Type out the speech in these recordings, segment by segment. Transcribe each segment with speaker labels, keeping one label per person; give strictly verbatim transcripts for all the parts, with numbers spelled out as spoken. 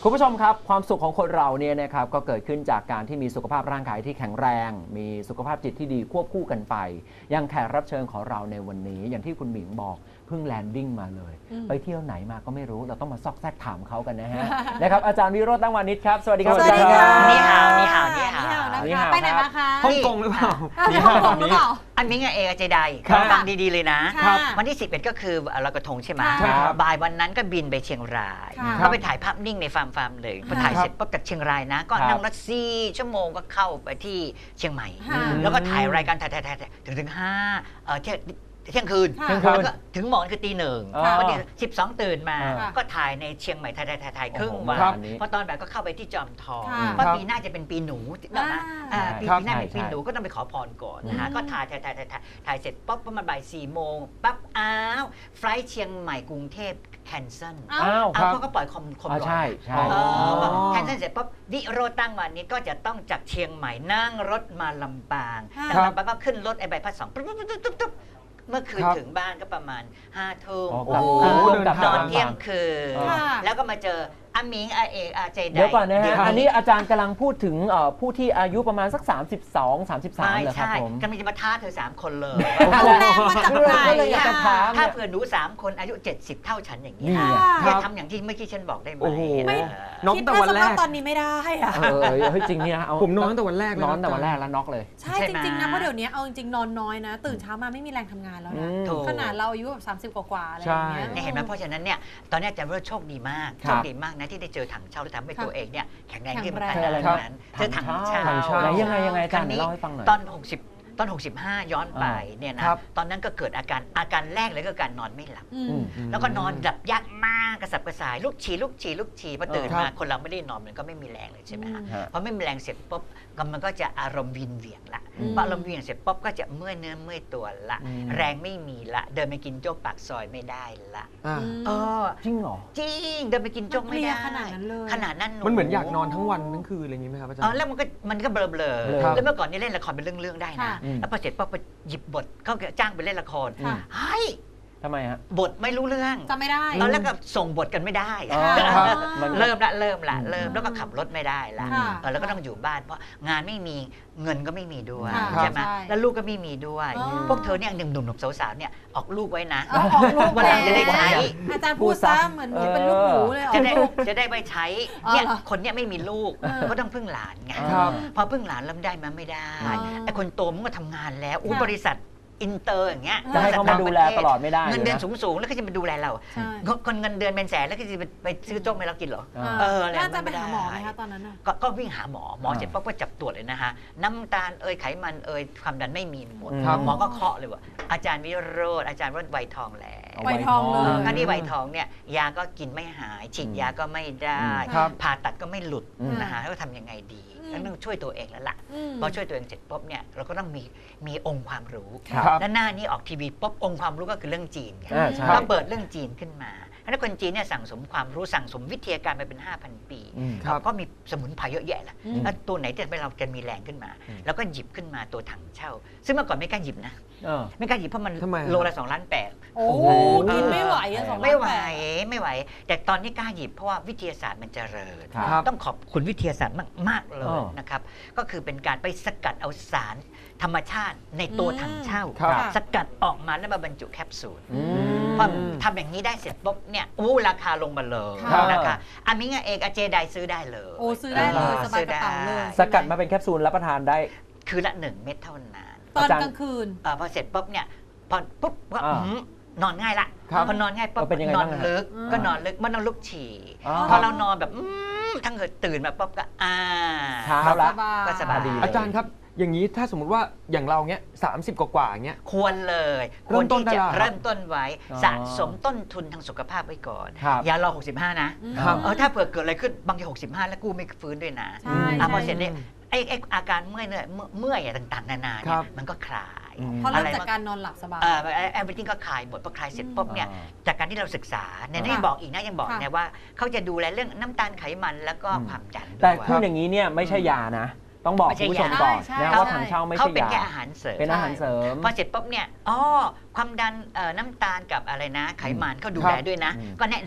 Speaker 1: คุณผู้ชมครับความสุขของคนเราเนี่ยนะครับก็เกิดขึ้นจากการที่มีสุขภาพร่างกายที่แข็งแรงมีสุขภาพจิตที่ดีควบคู่กันไปอย่างแขกรับเชิญของเราในวันนี้อย่างที่คุณหมิงบอกเพิ่งแลนดิ้งมาเลยไปเที่ยวไหนมาก็ไม่รู้เราต้องมาซอกแซกถามเขากันนะฮะ นะครับอาจารย์วิโรจน์ตั้งวานิชครับสวัสดีครับ
Speaker 2: สวัสดีค่ะ
Speaker 3: นี่ฮาวนี่ฮาวนี่ฮาว
Speaker 1: นี่ฮาว
Speaker 2: ไปไหนมาคะ
Speaker 4: ฮ่องกงหรือเปล่า
Speaker 2: นี่ฮ่องกงหรือเปล่า
Speaker 3: อันนี้ไงเอกเจได
Speaker 4: ครับ
Speaker 3: ฟังดีๆเลยนะ
Speaker 2: ค่ะ
Speaker 3: วันที่สิบเอ็ดก็คือลอยกระทงใช่ไหม
Speaker 2: ใช่ครับ
Speaker 3: บ่ายวันนั้นก็บินไปเชียงราย
Speaker 2: ค่ะ
Speaker 3: ก็ไปถ่ายภาพนิ่งในฟาร์มฟาร์มเลยพอถ่าย
Speaker 2: ครับ
Speaker 3: เสร็จปุ๊บจากเชียงรายนะ ก็
Speaker 1: ครับ
Speaker 3: นั่งรถสี่ชั่วโมงก็เข้าไปที่เชียงใหม่
Speaker 2: ค่ะ
Speaker 3: แล้วก็ถ่ายรายการถ่ายถ่ายถ่ายถึงถึงห้าเออเที่ยงเที่ยงคืน
Speaker 2: ค่ะ
Speaker 3: แล้วก็ถึงหมอนคือตีหนึ่ง
Speaker 1: อ๋อ
Speaker 3: วันที่สิบสองตื่นมา
Speaker 1: ค่ะ
Speaker 3: ก็ถ่ายในเชียงใหม่ถ่ายถ่ายถ่ายถ่ายครึ่ง
Speaker 1: โอ้โห
Speaker 3: วัน
Speaker 1: ครับ
Speaker 3: พอตอนบ่ายก็เข้าไปที่จอมทอง
Speaker 2: ค่ะ
Speaker 3: เพราะปีหน้าจะเป็นปีหนูนะนะอ่าปี
Speaker 1: ครับ
Speaker 3: ปีหน้าเป็นปี
Speaker 1: ใช่
Speaker 3: หนูก็ต้องไปขอพรก่อนนะฮะ
Speaker 2: อืม
Speaker 3: ก็ถ่ายถ่ายถ่ายถ่ายถ่ายถ่ายเสร็จปุ๊บประมาณบ่ายสี่โมงปั๊บอ้าวไฟล์เชียงใหม่กรุงเทพแคนเซิล
Speaker 2: อ้าว
Speaker 1: อ้าว
Speaker 3: อ้าว
Speaker 1: ครับ
Speaker 3: เขาก็ปล่อยคอมคอม
Speaker 1: อ่า
Speaker 3: ก่อน
Speaker 1: ใช่ใช่
Speaker 3: เอ
Speaker 4: อ๋อ
Speaker 3: อแคนเซิลเสร็จปุ๊บวิโรจน์ตั้งวันนี้ก็จะต้องจากเชียงใหม่นั่งรถมาลำปาง
Speaker 2: ค่ะ
Speaker 3: จากลำปางก็ขึ้นรถไอ้ใบพัดสองปุ๊บปุ๊บปุ๊บปุ๊บปุ๊บเมื่อคืน
Speaker 4: ครับ
Speaker 3: ถึงบ้านก็ประมาณห้าทุ่ม
Speaker 1: อ๋อ
Speaker 4: โอ้โห
Speaker 1: กลับ
Speaker 4: เดินทาง
Speaker 1: ก
Speaker 3: น
Speaker 1: ลับ
Speaker 3: อน
Speaker 1: บ้า
Speaker 3: เที่ยงคืน
Speaker 2: ค่ะ
Speaker 3: แล้วก็มาเจออามิงอาเอกอาเจได
Speaker 1: เดี๋ยวก่อนนะ
Speaker 3: เดี๋
Speaker 1: ฮะ
Speaker 3: ยว
Speaker 1: อันนี้อาจารย์กำลังพูดถึงเอ่อผู้ที่อายุประมาณสัก สามสิบสอง สามสิบสาม
Speaker 3: ไม่
Speaker 1: เหรอครับ
Speaker 3: ใช่
Speaker 1: ผม
Speaker 3: กำลังจะมาท้าเธอสามคนเลย
Speaker 2: เอาแรงมาจากไหน
Speaker 1: ก็เลยอยากจะถาม
Speaker 3: ถ้า
Speaker 1: เนี่ย
Speaker 3: เผื่อหนูสามคนอายุเจ็ดสิบเท่าฉันอย่างนี้
Speaker 1: นี่
Speaker 3: นะ
Speaker 1: ไง
Speaker 3: จะทำอย่างที่เมื่อกี้ฉันบอกได้ไหม
Speaker 4: โอ้โห
Speaker 3: เออ
Speaker 4: น็อก
Speaker 2: คิด
Speaker 4: แต่
Speaker 2: ว่า
Speaker 4: วัน
Speaker 2: ส
Speaker 4: แร
Speaker 2: ภาพ
Speaker 4: ก
Speaker 2: ตอนนี้ไม่ได้อะ
Speaker 1: เออเออเฮ้ยจริงนี่นะเอา
Speaker 4: ผมนอนตั้งแต่วันแรกเลย
Speaker 1: นอน
Speaker 4: นะ
Speaker 1: แต่วันแรกแล้วน็อกเลย
Speaker 2: ใช่จริงๆนะเพราะเดี๋ยวนี้เอาจริงๆนอนน้อยนะ ตื่นเช้ามาไม่มีแรงทำงานแล้ว
Speaker 1: อื
Speaker 2: นะ
Speaker 1: ม
Speaker 3: ถูก
Speaker 2: ขนาดเราอายุแบบสามสิบกว่าๆอะไรอย่างเงี้ย
Speaker 3: เนี่ยเห็นไหมเพราะฉะนั้นเนี่ยตอนนี้อาจารย์ว่าโชคดีมาก
Speaker 1: ครับ
Speaker 3: โชคดีมากนะที่ได้เจอถังเช่าและทำให้
Speaker 2: ค่ะ
Speaker 3: ตัวเองเนี่ยแข็งแรงขึ้นมา
Speaker 2: แข็
Speaker 3: ข
Speaker 2: งแรง
Speaker 3: นาดนั้นเจอถังเช่า
Speaker 1: ถังเช่าไหนยังไงยังไงอาจารย์
Speaker 3: ครั้งนี้
Speaker 1: เล่าให้ฟังหน่อย
Speaker 3: ตอนหกสิบตอนหกสิบห้าย้อนไปเนี่ยนะครับ ตอนนั้นก็เกิดอาการอาการแรกเลยก็การนอนไม่หลับ
Speaker 2: อื
Speaker 1: อื
Speaker 2: ม
Speaker 1: ม
Speaker 3: แล้วก็นอนหลับยากมากกระสับกระส่ายลูกฉี่ลูกฉี่ลูกฉี่พอตื่น
Speaker 1: ครับ
Speaker 3: มาคนเราไม่ได้นอนมันก็ไม่มีแรงเลยใช่ไหมฮะ
Speaker 1: ฮะ
Speaker 3: พอไม่มีแรงเสร็จปุ๊บก็มันก็จะอารมณ์วินเหวี่ยงละ
Speaker 1: อืม
Speaker 3: พออารมณ์วินเหวี่ยงเสร็จปุ๊บก็จะเมื่อยเนื้อเมื่อยตัวละ
Speaker 1: อืม
Speaker 3: แรงไม่มีละเดินไปกินโจ๊กปากซอยไม่ได้ละ
Speaker 4: อ่า
Speaker 3: เออ
Speaker 1: จริงเหรอ
Speaker 3: จริงเดินไปกินโจ๊กไม่ได้
Speaker 2: มันเพลียขนาดนั้นเลย
Speaker 3: ขนาดนั้น
Speaker 4: มันเหมือนอยากนอนทั้งวันทั้งคืนอะไรอย่างนี้ไหมครับอาจาร
Speaker 3: เออ
Speaker 4: ย์
Speaker 3: แล้วมันก็มันก็เบลอเบลอ
Speaker 1: เบลอ
Speaker 4: ครับ
Speaker 3: แล้วเมื่อก่อนนี่เล่นละครเป็นเรื่องๆได้นะ
Speaker 2: ค่ะ
Speaker 1: อืม
Speaker 3: แล้วพอเสร็จปุ๊บไปหยิบบทเขาจ้างไปเล่นละคร
Speaker 2: ค่ะ
Speaker 3: เฮ้ย
Speaker 1: ทำไมฮะ
Speaker 3: บทไม่รู้เรื่อง
Speaker 2: จำไม่ได้
Speaker 3: ตอนแรกก็ส่งบทกันไม่ได้
Speaker 1: อ๋อ
Speaker 2: ครับ
Speaker 1: มัน
Speaker 3: เริ่มละเริ่มละ
Speaker 1: อืม
Speaker 3: เริ่มแล้วก็ขับรถไม่ได้ละ
Speaker 2: ค่ะ
Speaker 3: เออแล้วก็ต้องอยู่บ้านเพราะงานไม่มีเงินก็ไม่มีด้วย
Speaker 2: ค่ะ
Speaker 3: ใช่ไหม
Speaker 2: ใช่
Speaker 3: แล้วลูกก็ไม่มีด้วย
Speaker 2: อ๋อ
Speaker 3: พวกเธอเนี่ยหนุ่มหนุ่มๆสาวๆเนี่ยออกลูกไว้นะ
Speaker 2: เอาออกลูก
Speaker 3: วันหลังจะได้ใช้
Speaker 2: อาจารย์พูดซะเหมือนหนูเป็นลูกหมูเลยออ
Speaker 3: จะ
Speaker 2: ก
Speaker 3: ได้
Speaker 2: ลูก
Speaker 3: จะได้ไปใช้
Speaker 2: อ๋อ
Speaker 3: เนี่ย
Speaker 2: เหรอ
Speaker 3: คนเนี่ยไม่มีลูก
Speaker 2: เออ
Speaker 3: ก็ต้องพึ่งหลานไง
Speaker 4: ครับ
Speaker 3: พอพึ่งหลานแล้วได้มาไม่ได้
Speaker 2: อ๋อ
Speaker 3: ไอ้คนโตมันก็ทำงานแล้วอู้
Speaker 2: ค่ะ
Speaker 3: บริษัทอินเตอร์อย่างเงี้ย
Speaker 1: จะให้เขามาดูแลตลอดไม่ได้
Speaker 3: เงินเดือน
Speaker 1: นะ
Speaker 3: สูงๆแล้วก็จะมาดูแลเรา
Speaker 2: ใช่
Speaker 3: คนเงินเดือนเป็นแสนแล้วก็จะไปซื้อโจ๊กให้เรากินเหรอ
Speaker 1: อ่า
Speaker 3: เอออะไร
Speaker 2: แล้วอาจารย์ไป
Speaker 3: ไม่ได้
Speaker 2: หาหมอไหมคะตอนนั้นน่ะ
Speaker 3: ก็ก็วิ่งหาหมอหมอ
Speaker 1: อ่า
Speaker 3: เสร็จปั๊บก็จับตรวจเลยนะฮะน้ำตาลเอ่ยไขมันเอ่ยความดันไม่มีหมด
Speaker 1: ครับ
Speaker 3: หมอก็เคาะเลยว่าอาจารย์วิโรจน์อาจารย์ว่าไวทองแล้ว
Speaker 1: เอา
Speaker 2: ไวทองเลย
Speaker 3: เออครั้นี้ไวทองเนี่ยยาก็กินไม่หายฉีดยาก็ไม่ได้
Speaker 4: ครับ
Speaker 3: ผ่าตัดก็ไม่หลุด
Speaker 1: อืม
Speaker 3: นะฮะแล้วก็ทำยังไงดี
Speaker 2: อืม
Speaker 3: แล้วต้องช่วยตัวเองแล้วล่ะ
Speaker 2: อืม
Speaker 3: พอช่วยตัวเองเสร็จปุ๊บเนี่ยเราก็ต้องมีมีองค์ความรู้
Speaker 1: ครับ
Speaker 3: และหน้านี้ออกทีวีปุ๊บองค์ความรู้ก็คือเรื่องจีนไง
Speaker 1: อ่าใช่
Speaker 3: ก็เปิดเรื่องจีนขึ้นมาแล้วคนจีนเนี่ยสั่งสมความรู้สั่งสมวิทยาการมาเป็น ห้าพัน ปี
Speaker 1: อืม
Speaker 4: ครับ
Speaker 3: ก็มีสมุนไพรเยอะแยะแหละ
Speaker 2: อืม
Speaker 3: แล้วตัวไหนที่ทำให้เราจะมีแรงขึ้นมา
Speaker 1: อืม
Speaker 3: แล้วก็หยิบขึ้นมาตัวถังเช่า ซึ่งเมื่อก่อนไม่กล้าหยิบนะ
Speaker 1: เออ
Speaker 3: ไม่กล้าหยิบเพราะมัน
Speaker 4: ทำไมอะ
Speaker 3: โลละสองล้านแปด
Speaker 2: โอ้
Speaker 1: โอ้โห
Speaker 2: กินไม่ไหวอะสองล้าน
Speaker 3: ไม่ไหว
Speaker 2: แปด
Speaker 3: ไม่ไหว แต่ตอนนี้กล้าหยิบเพราะว่าวิทยาศาสตร์มันเจริญ
Speaker 1: ครับ
Speaker 3: ต้องขอบคุณวิทยาศาสตร์มาก ๆ เล
Speaker 1: อ๋
Speaker 3: ย
Speaker 1: อ
Speaker 3: นะครับ ก็คือเป็นการไปสกัดเอาสารธรรมชาติในตัวถังเช่า
Speaker 4: ครับ
Speaker 3: สกัดออกมาแล้วมาบรรจุแคปซูล
Speaker 1: อืม
Speaker 3: พอทำอย่างนี้ได้เสร็จปุ๊บเนี่ยอู้ราคาลงมาเลย
Speaker 2: ค่ะ
Speaker 3: นะคะอามิงาเอกอาเจไดซื้อได้เลย
Speaker 2: โอ้ซื้อได้เลยสบายกระเป๋าเลย
Speaker 1: สกัดมาเป็นแคปซูลรับประทานได้
Speaker 3: คือละหนึ่งเม็ดเท่านั้น
Speaker 2: ตอน
Speaker 1: อาจารย์
Speaker 2: กลางคืน
Speaker 3: เออพอเสร็จปุ๊บเนี่ยพอปุ๊บก็
Speaker 1: อ่า
Speaker 3: หืมนอนง่ายละ
Speaker 4: ครับ
Speaker 3: พอนอนง่ายปุ๊บ
Speaker 1: เป็นยังไง
Speaker 3: นอน
Speaker 1: บ้างฮะ
Speaker 3: ลึก
Speaker 2: อืม
Speaker 3: ก็นอนลึกมันต้องลุกฉี่
Speaker 1: อ๋อ
Speaker 3: พอเรานอนแบบอืมทั้งเกิดตื่นมาปุ๊บก็อ่า
Speaker 1: เช้า
Speaker 2: ส
Speaker 1: ละ
Speaker 2: บาย
Speaker 3: ก็สบาย
Speaker 1: ดีเลย
Speaker 4: อาจารย์ครับ อย่างนี้ถ้าสมมติว่าอย่างเราเนี้ยสามสิบกว่าๆอย่างเงี้ย
Speaker 3: ควรเลยค
Speaker 4: เริ่
Speaker 3: วร
Speaker 4: มต้น
Speaker 3: ที่จะ
Speaker 4: ได้แล้ว
Speaker 3: เริ่มต้นไว้
Speaker 1: อ๋อ
Speaker 3: สะสมต้นทุนทางสุขภาพไว้ก่อน
Speaker 1: ครับ
Speaker 3: อย่ารอหกสิบห้านะ
Speaker 2: อืม
Speaker 4: ครับ
Speaker 3: เออถ้าเผื่อเกิดอะไรขึ้นบางทีหกสิบห้าแล้วกู้ไม่ฟื้นด้วยนะ
Speaker 2: ใช่
Speaker 3: อ่ะพอ
Speaker 2: ใช่
Speaker 3: เสร็จเนี่ยไอ้ไอ้อาการเมื่อยเนี่ยเมื่อยเมื่อยอะไรต่างๆ นานา
Speaker 4: ค
Speaker 3: เนี่
Speaker 4: รั
Speaker 3: ย
Speaker 4: บ
Speaker 3: มันก็คลาย
Speaker 1: อืม
Speaker 2: เพราะเริ่ม
Speaker 3: อะไร
Speaker 2: จากการนอนหลับสบาย
Speaker 3: เออแอร์บิทก็คลายหมดพอคลายเสร็จปุ๊บเนี่ย
Speaker 1: อ่า
Speaker 3: จากการที่เราศึกษาเนี่ย
Speaker 1: ค่ะ
Speaker 3: ยังบอกอีกนะยังบอก
Speaker 2: ค่ะ
Speaker 3: นะว่าเขาจะดูแลเรื่องน้ำตาลไขมันแล้วก็
Speaker 1: อืม
Speaker 3: ความดัน
Speaker 1: แต่
Speaker 3: ด้วย
Speaker 1: พูดอย่างนี้เนี่ยไม่ใช่ยานะ ต้องบอก
Speaker 3: ไม่ใช่
Speaker 1: คุณผู้ชม
Speaker 3: ยา
Speaker 1: ก่อน
Speaker 2: ใช่
Speaker 1: นะ
Speaker 2: ใช่
Speaker 1: ว่าถังเช่าไม่
Speaker 3: เขา
Speaker 1: ใช่
Speaker 3: เป็น
Speaker 1: ยา
Speaker 3: แค่อาหารเสริม
Speaker 1: เป็นอาหารเสริม
Speaker 3: พอเสร็จปุ๊บเนี่ยอ๋อความดันเอ่อน้ำตาลกับอะไรนะ ไขมันเขาดู
Speaker 4: ครับ
Speaker 3: แลด้วยนะ
Speaker 1: อืม
Speaker 3: ก็แนะนำ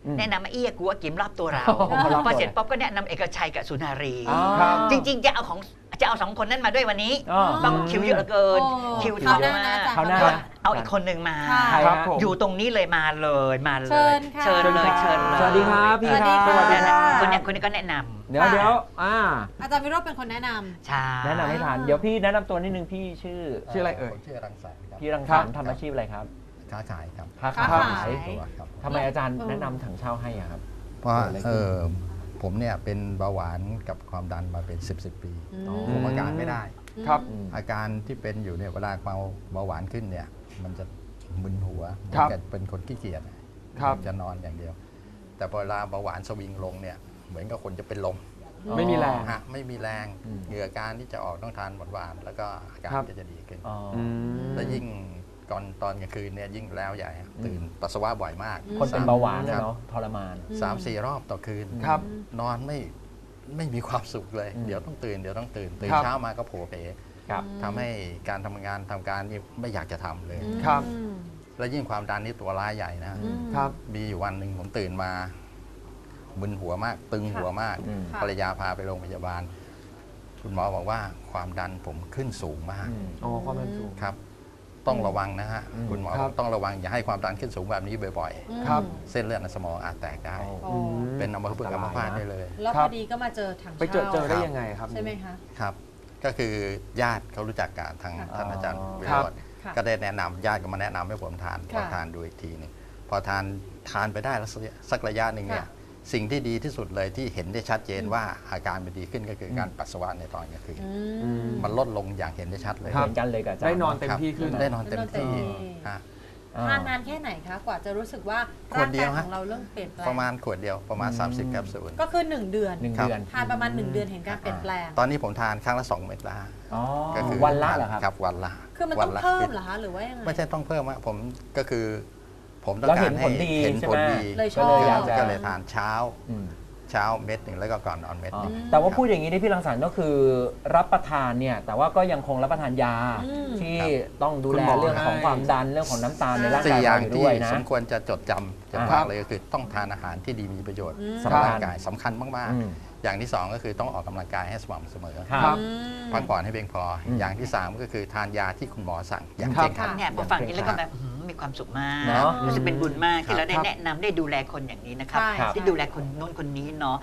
Speaker 1: อืม
Speaker 3: แนะนำมาเอี้ยกูว่ากิมรอบตัวเรา
Speaker 1: อ๋อรอบตัว
Speaker 3: พอเสร็จป๊อบก็แนะนำเอกชัยกับสุนารี
Speaker 1: อ๋อ
Speaker 4: ครับ
Speaker 3: จริง ๆ จะเอาของจะเอาสองคนนั้นมาด้วยวันนี้
Speaker 1: อ๋อ
Speaker 3: ต้องคิวเยอะเหลือเกิน
Speaker 2: โอ้
Speaker 3: คิว
Speaker 2: คราว
Speaker 3: เย
Speaker 2: ห
Speaker 3: อะ
Speaker 2: น้านะ
Speaker 3: มาก
Speaker 2: อาจารย์
Speaker 1: คราวหน้า
Speaker 2: ครว
Speaker 3: เอาอีกคนหนึ่งมา
Speaker 2: ค่ะ
Speaker 1: ใคร
Speaker 4: ครับ
Speaker 1: ฮะ
Speaker 4: ผม
Speaker 3: อยู่ตรงนี้เลยมาเลยมาเลย
Speaker 2: เชิญค่ะ
Speaker 3: เชิญเลยเชิญเลย
Speaker 1: สวัสดีครับพี่
Speaker 2: สวัสดี
Speaker 1: ครับ
Speaker 2: ค่ะ
Speaker 3: นั่นน่ะคนเนี้ยคนนี้ก็แนะนำ
Speaker 1: เดี๋ยวเดี๋ยวอ่า
Speaker 2: อาจารย์วิโรจน์เป็นคนแนะนำ
Speaker 3: ใช่
Speaker 1: แนะนำให้ทานเดี๋ยวพี่แนะนำตัวนิดนึงพี่ชื่อ
Speaker 4: ชื่ออะไรเอ่ย
Speaker 5: ผมชื่อรังสรรค์ครับ
Speaker 1: พี่รังสรรค์ทำอาชีพอะไรครับ
Speaker 5: ค้าขายครับ
Speaker 1: ค้า
Speaker 2: ค้า
Speaker 1: ขา
Speaker 2: ขาย
Speaker 1: ย
Speaker 5: ตัวครับ
Speaker 1: ทำไมอาจารย์
Speaker 2: เออ
Speaker 1: แนะนำถังเช่าให้อะครับ
Speaker 5: เพราะ
Speaker 1: เกิดอะไรขึ้น
Speaker 5: เออผมเนี่ยเป็นเบาหวานกับความดันมาเป็น 10บสปี
Speaker 2: อืม
Speaker 1: อ๋อ
Speaker 5: คุมอาการไม่ได้
Speaker 4: ครับ
Speaker 1: อืม
Speaker 5: อาการที่เป็นอยู่เนี่ยเวลาความเบาหวานขึ้นเนี่ยมันจะมึนหัว
Speaker 4: ครับ
Speaker 5: เหมือนกับเป็นคนขี้เกียจ
Speaker 4: ครับ
Speaker 5: จะนอนอย่างเดียว แต่พอเวลาเบาหวานสวิงลงเนี่ยเหมือนกับคนจะเป็นลม
Speaker 4: ไม่มีแรง
Speaker 5: ฮะไม่มีแรง
Speaker 1: อืม
Speaker 5: เหงื่อการที่จะออกต้องทานหวานๆแล้วก็อาการ
Speaker 4: ครับ
Speaker 5: ก็จะดีขึ้น
Speaker 1: อ๋อ
Speaker 4: อืม
Speaker 5: แล้วยิ่งก่อนตอนกลางคืนเนี่ยยิ่งแล้วใหญ่ฮะตื่นปัสสาวะบ่อยมาก
Speaker 1: คนเป็นเบาหวานนะครับ
Speaker 5: ครั
Speaker 1: เนาะทรมาน
Speaker 5: สามสี่รอบต่อคืน
Speaker 4: ครับ
Speaker 5: นอนไม่ไม่มีความสุขเลย
Speaker 1: อืม
Speaker 5: เดี๋ยวต้องตื่นเดี๋ยวต้องตื่นตื่น
Speaker 4: ครับ
Speaker 5: เช้ามาก็โผล่เพ
Speaker 1: ครับ
Speaker 5: ทำให้การทำงานทำการนี่ไม่อยากจะทำเลย
Speaker 4: ครับ
Speaker 2: อืม
Speaker 5: แล้วยิ่งความดันนี่ตัวร้ายใหญ่นะ
Speaker 2: อืม
Speaker 4: ครับ
Speaker 5: มีอยู่วันหนึ่งผมตื่นมามึนหัวมาก ตึงหัวมาก
Speaker 1: อืม
Speaker 2: ค่ะ
Speaker 5: ภรรยาพาไปโรงพยาบาล คุณหมอบอกว่าความดันผมขึ้นสูงมาก
Speaker 1: อืม
Speaker 4: อ๋อความดันสูง
Speaker 5: ครับ ต้องระวังนะฮะ
Speaker 1: อืม
Speaker 5: คุณหมอ
Speaker 4: ครับ
Speaker 5: อบ กต้องระวังอย่าให้ความดันขึ้นสูงแบบนี้บ่อย
Speaker 2: อืม
Speaker 4: ครับ
Speaker 5: ๆ เส้นเลือดในสมองอาจแตกได้
Speaker 1: โอ้
Speaker 2: โอ้
Speaker 4: อืม
Speaker 5: เป็นอัมพฤกษ์อัมพาตได้เลย
Speaker 2: แล้ว
Speaker 4: ครั
Speaker 2: พ
Speaker 4: บ
Speaker 2: อดีก็มาเจอถัง
Speaker 4: ไปเจอ
Speaker 2: เช่า
Speaker 4: เจอได้ยังไงครับ
Speaker 2: ใช่ไหมคะ
Speaker 5: ครับ ก็คือญาติเขารู้จักกับทาง
Speaker 2: ค่ะ
Speaker 5: ท่านอาจารย์วิ
Speaker 4: ครั
Speaker 5: โร
Speaker 4: บ
Speaker 5: จน์
Speaker 2: ค่ะ
Speaker 5: ก็ได้แนะนำญาติก็มาแนะนำให้ผมทานพอ
Speaker 2: ค่ะ
Speaker 5: ทานดูอีกทีหนึงพอทานทานไปได้แล้วสักสักระยะหนึ่งเนี่ย
Speaker 2: ค่ะ
Speaker 5: สิ่งที่ดีที่สุดเลยที่เห็นได้ชัดเจน
Speaker 2: อืม
Speaker 5: ว่าอาการมันดีขึ้นก็คือการปัสสาวะในตอนกลางคืน
Speaker 2: อื
Speaker 4: อื
Speaker 2: ม
Speaker 4: ม
Speaker 5: มันลดลงอย่างเห็นได้ชัดเลย
Speaker 1: เหมือนกันเลยกับอาจารย์
Speaker 4: ได้นอนเต็ม
Speaker 5: ครับ
Speaker 4: ที่ขึ้น
Speaker 5: ได้นอนเต็มที่
Speaker 2: ได้นอนเต็มที่
Speaker 5: ฮะ
Speaker 1: อ่า
Speaker 2: ทานนานแค่ไหนคะ กว่าจะรู้สึกว่า
Speaker 5: ขว
Speaker 2: ร่า
Speaker 5: ด
Speaker 2: ง
Speaker 5: เดี
Speaker 2: กาย
Speaker 5: ยว
Speaker 2: ข
Speaker 5: ฮะ
Speaker 2: องเราเริ่มเปลี่ยนแปลง
Speaker 5: ประมาณขวดเดียวประมาณ
Speaker 1: อืม
Speaker 5: สามสิบแคปซูล
Speaker 2: ก็คือ 1 เดือน
Speaker 1: หนึ่ง
Speaker 5: ครับ
Speaker 1: เดือน
Speaker 2: ทานประมาณ 1 เดือนเห็นการเปลี่ยนแปลง
Speaker 5: ตอนนี้ผมทานครั้งละสองเม็ดละ
Speaker 1: อ๋อ
Speaker 5: ก็คือ
Speaker 1: วันละเหรอครับ
Speaker 5: ครับวันละ
Speaker 2: คือมัน
Speaker 5: วั
Speaker 2: ต้อง
Speaker 5: ละ
Speaker 2: เพิ่มเหรอคะ หรือว่ายังไง
Speaker 5: ไม่ใช่ต้องเพิ่มอะผมก็คือ ผมต้อง
Speaker 1: เรา
Speaker 5: กา
Speaker 1: เห็
Speaker 5: ร
Speaker 1: น
Speaker 5: ให้
Speaker 1: ผลดี
Speaker 5: เห็น
Speaker 1: ใช่
Speaker 5: ผ
Speaker 1: ไหม
Speaker 5: ลดี
Speaker 2: เลยช
Speaker 1: ก็
Speaker 2: อบ
Speaker 1: เลยอยากจะ
Speaker 5: ก็เลยทานเช้า
Speaker 1: อืม
Speaker 5: เช้าเม็ดหนึ่งแล้วก็ก่อนนอนเม็ด
Speaker 1: อ๋อ
Speaker 5: หนึ่ง
Speaker 1: แต่ว่าพูดอย่างนี้ที่พี่รังสรรค์ก็คือรับประทานเนี่ย แต่ว่าก็ยังคงรับประทานยา
Speaker 2: อืม
Speaker 1: ที่ต้องดู
Speaker 4: คุณ
Speaker 1: แล
Speaker 4: หมอ
Speaker 1: เรื่องของ
Speaker 4: ให้
Speaker 1: ความดันเรื่องของน้ำตาลในร่าง
Speaker 5: สี่
Speaker 1: กาย
Speaker 5: อย่า
Speaker 1: เรา
Speaker 5: ง
Speaker 1: อยู่
Speaker 5: ที่
Speaker 1: ด้วยนะ
Speaker 5: สมควรจะจดจำจะ
Speaker 1: อ่า
Speaker 5: ฝากเลยก็คือต้องทานอาหารที่ดีมีประโยชน์
Speaker 2: อืม
Speaker 5: สำหรับ
Speaker 1: ครับ
Speaker 5: ร่างกายสำคัญมาก
Speaker 1: อืม
Speaker 5: ๆ อย่างที่สองก็คือต้องออกกำลังกายให้สม่ำเสมอ
Speaker 1: ครับ
Speaker 2: อืม
Speaker 5: พักผ่อนให้เพียงพออ
Speaker 1: ม
Speaker 5: อย่างที่สามก็คือทานยาที่คุณหมอสั่งอย่าง
Speaker 1: ครับ
Speaker 5: เคร่งครัด
Speaker 3: เนี่ยพอฟังนี้แล้วก็แบบอื้อหือมีความสุขมาก
Speaker 1: เนอะ
Speaker 3: รู้สึกเป็นบุญมากที่เราได้
Speaker 4: ครับ
Speaker 3: แนะนำได้ดูแลคนอย่างนี้นะครับ
Speaker 2: ใช่
Speaker 1: ครับ
Speaker 3: ที่ดูแลคนโน้นคนนี้เนาะ